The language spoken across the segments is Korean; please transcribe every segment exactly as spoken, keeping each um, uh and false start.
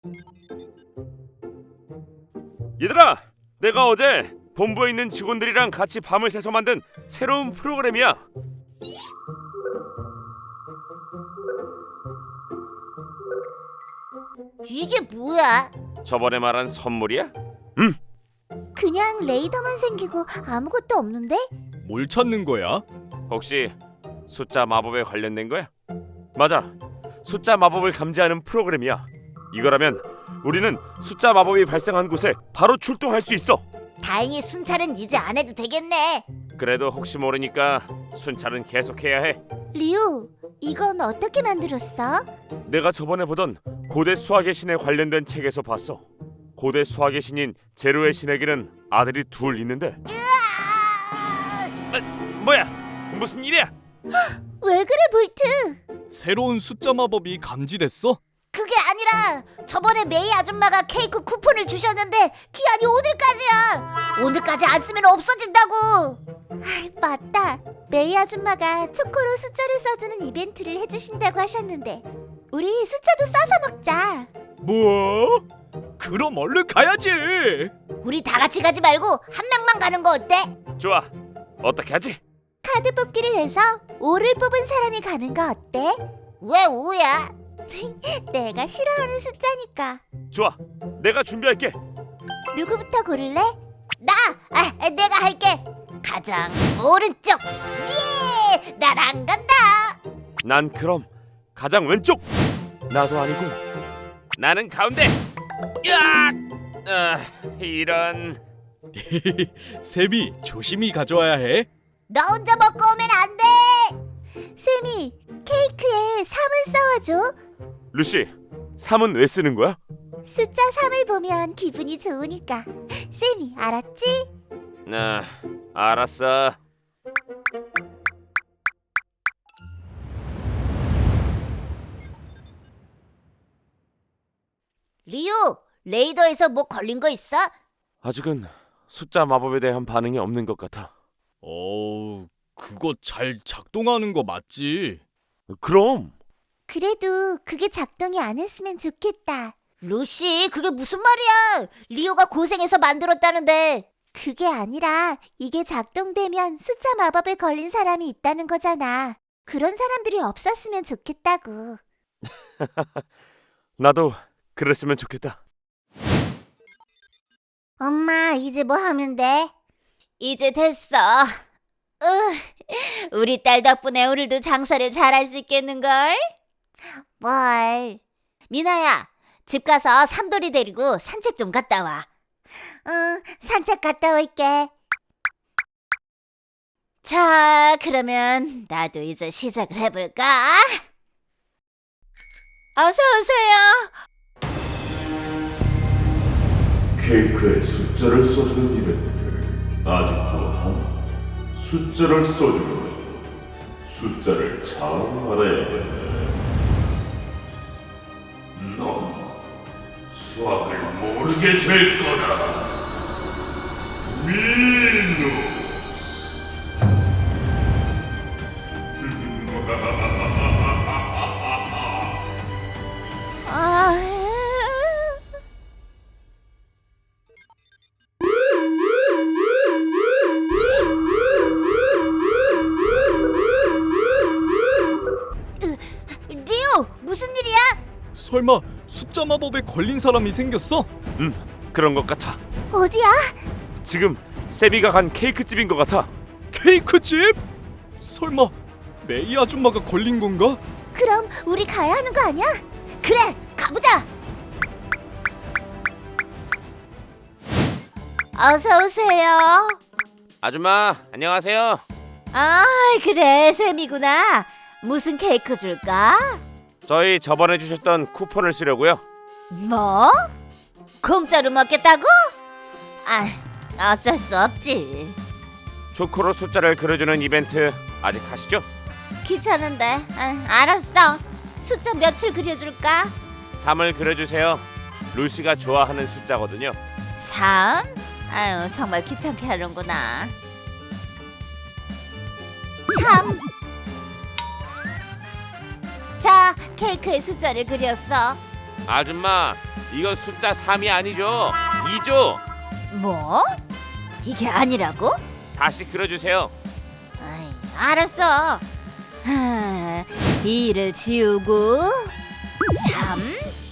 얘들아, 내가 어제 본부에 있는 직원들이랑 같이 밤을 새서 만든 새로운 프로그램이야. 이게 뭐야? 저번에 말한 선물이야? 그냥 레이더만 생기고 아무것도 없는데? 뭘 찾는 거야? 혹시 숫자 마법에 관련된 거야? 맞아, 숫자 마법을 감지하는 프로그램이야. 이거라면 우리는 숫자 마법이 발생한 곳에 바로 출동할 수 있어. 다행히 순찰은 이제 안 해도 되겠네. 그래도 혹시 모르니까 순찰은 계속해야 해. 리우, 이건 어떻게 만들었어? 내가 저번에 보던 고대 수학의 신에 관련된 책에서 봤어. 고대 수학의 신인 제로의 신에게는 아들이 둘 있는데. 아, 뭐야? 무슨 일이야? 왜 그래, 볼트? 새로운 숫자 마법이 감지됐어? 그게 아니라 저번에 메이 아줌마가 케이크 쿠폰을 주셨는데 기한이 오늘까지야. 오늘까지 안 쓰면 없어진다고. 아, 맞다. 메이 아줌마가 초코로 숫자를 써주는 이벤트를 해주신다고 하셨는데 우리 숫자도 써서 먹자. 뭐? 그럼 얼른 가야지. 우리 다 같이 가지 말고 한 명만 가는 거 어때? 좋아. 어떻게 하지? 카드 뽑기를 해서 오를 뽑은 사람이 가는 거 어때? 왜 오야? 내가 싫어하는 숫자니까. 좋아. 내가 준비할게. 누구부터 고를래? 나! 아, 내가 할게. 가장 오른쪽. 예! 나랑 간다. 난 그럼 가장 왼쪽. 나도 아니고. 나는 가운데. 야! 아, 이런. 셈이 조심히 가져와야 해. 너 혼자 먹고 오면 안 돼. 쌤이 케이크에 삼을 써와줘. 루시, 삼은 왜 쓰는 거야? 숫자 삼을 보면 기분이 좋으니까. 쌤이 알았지? 아, 알았어. 리우, 레이더에서 뭐 걸린 거 있어? 아직은 숫자 마법에 대한 반응이 없는 것 같아. 어, 그거 잘 작동하는 거 맞지? 그럼. 그래도 그게 작동이 안 했으면 좋겠다. 루시, 그게 무슨 말이야? 리오가 고생해서 만들었다는데. 그게 아니라 이게 작동되면 숫자 마법에 걸린 사람이 있다는 거잖아. 그런 사람들이 없었으면 좋겠다고. 나도 그랬으면 좋겠다. 엄마, 이제 뭐 하면 돼? 이제 됐어. 으, 우리 딸 덕분에 오늘도 장사를 잘할 수 있겠는걸? 뭘? 미나야, 집 가서 삼돌이 데리고 산책 좀 갔다 와. 응, 산책 갔다 올게. 자, 그러면 나도 이제 시작을 해볼까? 어서 오세요. 케이크에 숫자를 써주는 이벤트를 아직도 하나? 숫자를 써주면 숫자를 잘 알아야겠네. 넌 수학을 모르게 될 거다. 미누스. 아... 으, 리오, 무슨 일이야? 설마 숫자 마법에 걸린 사람이 생겼어? 음, 그런 것 같아. 어디야? 지금 세비가 간 케이크 집인 것 같아. 케이크집? 설마 메이 아줌마가 걸린 건가? 그럼 우리 가야 하는 거 아니야? 그래, 가보자. 어서 오세요. 아줌마, 안녕하세요. 아, 그래, 쌤이구나. 무슨 케이크 줄까? 저희 저번에 주셨던 쿠폰을 쓰려고요. 뭐? 공짜로 먹겠다고? 아, 어쩔 수 없지. 초코로 숫자를 그려주는 이벤트 아직 하시죠? 귀찮은데. 아, 알았어. 숫자 몇을 그려줄까? 삼을 그려주세요. 루시가 좋아하는 숫자거든요. 삼? 아유, 정말 귀찮게 하는구나. 삼. 자, 케이크에 숫자를 그렸어. 아줌마, 이건 숫자 삼이 아니죠. 이죠. 뭐? 이게 아니라고? 다시 그려주세요. 아이, 알았어. 하, 이를 지우고 삼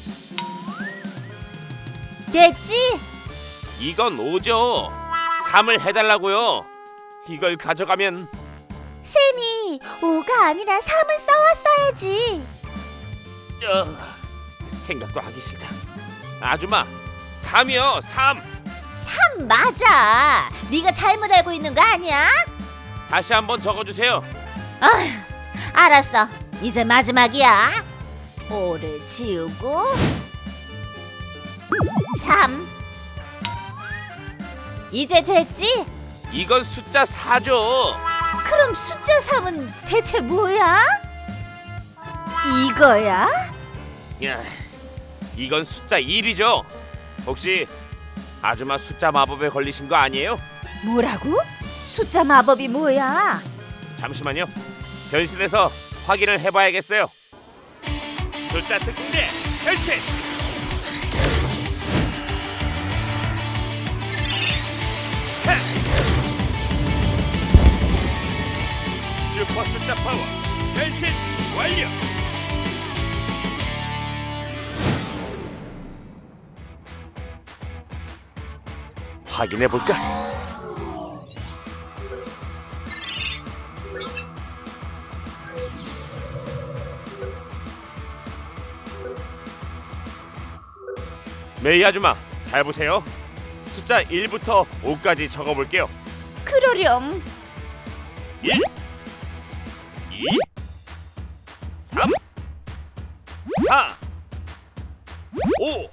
됐지? 이건 오죠. 삼을 해달라고요. 이걸 가져가면 쌤이 오가 아니라 삼을 써왔어야지. 어, 생각도 하기 싫다. 아줌마, 삼이요, 삼. 삼 맞아. 네가 잘못 알고 있는 거 아니야? 다시 한번 적어주세요. 아휴, 알았어. 이제 마지막이야. 오를 지우고 삼. 이제 됐지? 이건 숫자 사죠. 그럼 숫자 삼은 대체 뭐야? 이거야? 야, 이건 숫자 일이죠. 혹시 아줌마 숫자 마법에 걸리신 거 아니에요? 뭐라고? 숫자 마법이 뭐야? 잠시만요. 변신해서 확인을 해봐야겠어요. 숫자 특공대 변신. 하! 슈퍼 숫자 파워 변신 완료. 확인해 볼까? 메이 아줌마, 잘 보세요. 숫자 일부터 오까지 적어볼게요. 그러렴. 일, 이, 삼, 사, 오.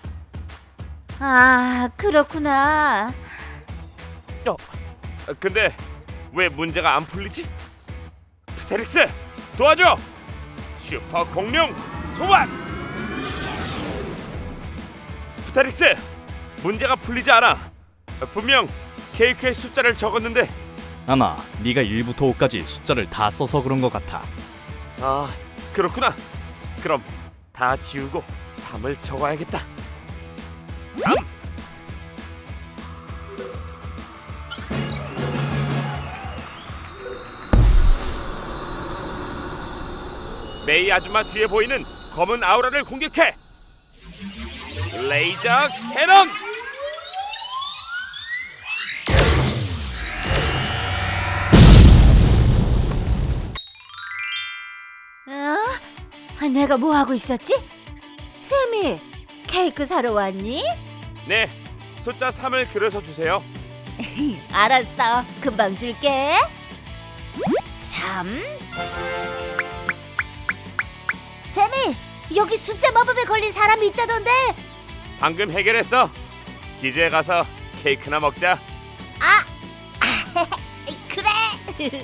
아, 그렇구나. 어, 근데 왜 문제가 안 풀리지? 프테릭스, 도와줘! 슈퍼 공룡 소환! 프테릭스, 문제가 풀리지 않아. 분명 케이크의 숫자를 적었는데. 아마 네가 일부터 오까지 숫자를 다 써서 그런 것 같아. 아, 그렇구나. 그럼 다 지우고 삼을 적어야겠다. 삼. 메이 아줌마 뒤에 보이는 검은 아우라를 공격해. 레이저 캐논. 어? 내가 뭐 하고 있었지? 쌤이 케이크 사러 왔니? 네, 숫자 삼을 그려서 주세요. 알았어. 금방 줄게. 삼. 쌤이 여기 숫자 마법에 걸린 사람이 있다던데. 방금 해결했어. 기지에 가서 케이크나 먹자. 아, 그래.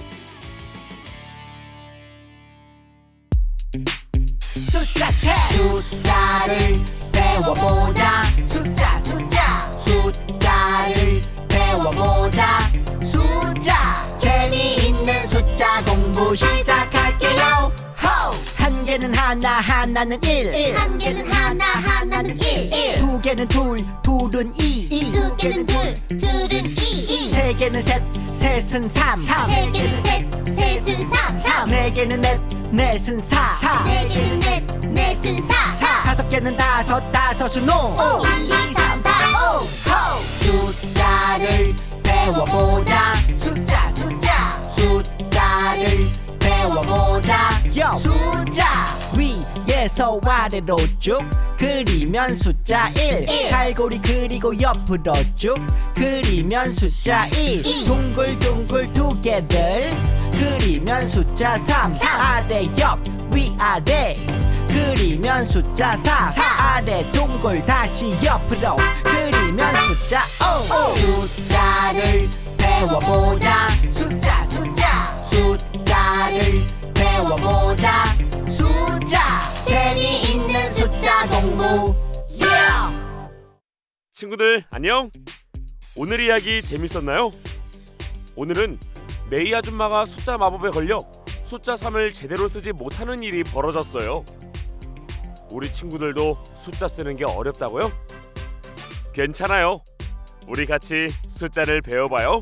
숫자책 숫자를 배워보자. 숫자 숫자 숫자를 배워보자. 숫자 재미있는 숫자 공부 시작할게요. 호! 한 개는 하나 하나는 일. 한 개는 하나 하나는 일. 두 개는 둘 둘은 이. 두 개는 둘 둘은 이. 세 개는 셋 셋은 삼. 세 개는 셋 셋은 삼. 삼. 네 개는 넷 넷은 사. 네 개는 넷 넷은 사. 사. 다섯 개는 다섯 다섯은 오. 오. 일, 이, 삼, 사, 오. 호! 숫자를 배워보자. 숫자 숫자 숫자를 배워보자. 요. 숫자 위에서 아래로 쭉 그리면 숫자 일. 일. 갈고리 그리고 옆으로 쭉 그리면 숫자 이. 이. 둥글둥글 두 개를 그리면 숫자 삼. 삼. 아래 옆 위아래 그리면 숫자 사. 사. 아래 동글 다시 옆으로 그리면 숫자 오. 오. 숫자를 배워보자. 숫자 숫자 숫자를 배워보자. 숫자 재미있는 숫자 공부. yeah! 친구들 안녕. 오늘 이야기 재밌었나요? 오늘은 메이 아줌마가 숫자 마법에 걸려 숫자 삼을 제대로 쓰지 못하는 일이 벌어졌어요. 우리 친구들도 숫자 쓰는 게 어렵다고요? 괜찮아요. 우리 같이 숫자를 배워봐요.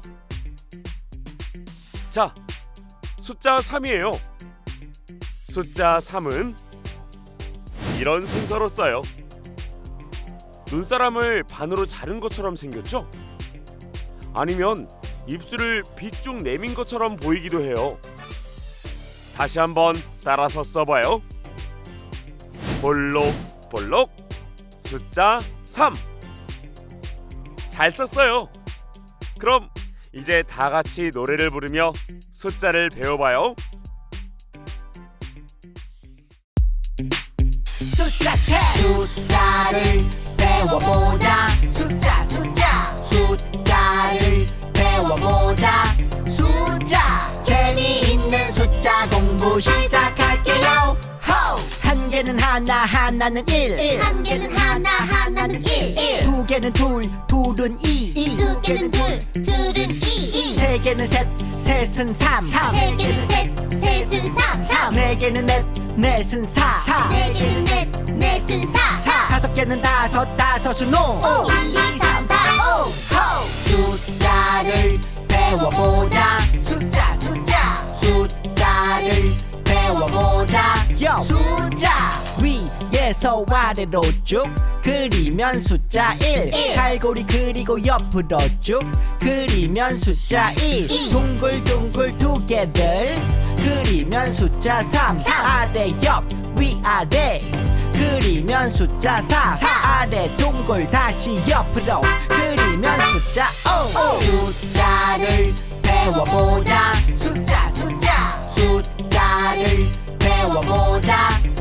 자, 숫자 삼이에요. 숫자 삼은 이런 순서로 써요. 눈사람을 반으로 자른 것처럼 생겼죠? 아니면 입술을 빗쭉 내민 것처럼 보이기도 해요. 다시 한번 따라서 써봐요. 볼록볼록 숫자 삼. 잘 썼어요. 그럼 이제 다 같이 노래를 부르며 숫자를 배워봐요. 숫자책 숫자를 배워보자. 숫자 숫자 숫자를 배워보자. 숫자 재미있는 숫자 공부 시작할게요. 호! 한 개는 하나 하나는 일. 한 개는 하나 하나는 일. 두 개는 둘 둘은 이. 두 개는 둘 둘은 이. 세 개는 셋 셋은 삼. 세 개는 셋 셋은 삼. 삼. 네 개는 넷 넷은 사. 네 개는 넷 넷은 사. 사. 다섯 개는 다섯 다섯은 오. 오. 일, 이, 삼, 사, 오. 호! 숫자를 배워보자. 숫자 숫자 숫자를 배워보자. 요! 숫자 위에서 아래로 쭉 그리면 숫자 일. 일. 갈고리 그리고 옆으로 쭉 그리면 숫자 이. 이. 둥글둥글 두 개를 그리면 숫자 삼. 삼. 아래 옆 위아래 그리면 숫자 사. 사. 아래 동글 다시 옆으로 그리면 숫자 오. 오. 숫자를 배워보자. 숫자 숫자 숫자를 배워보자.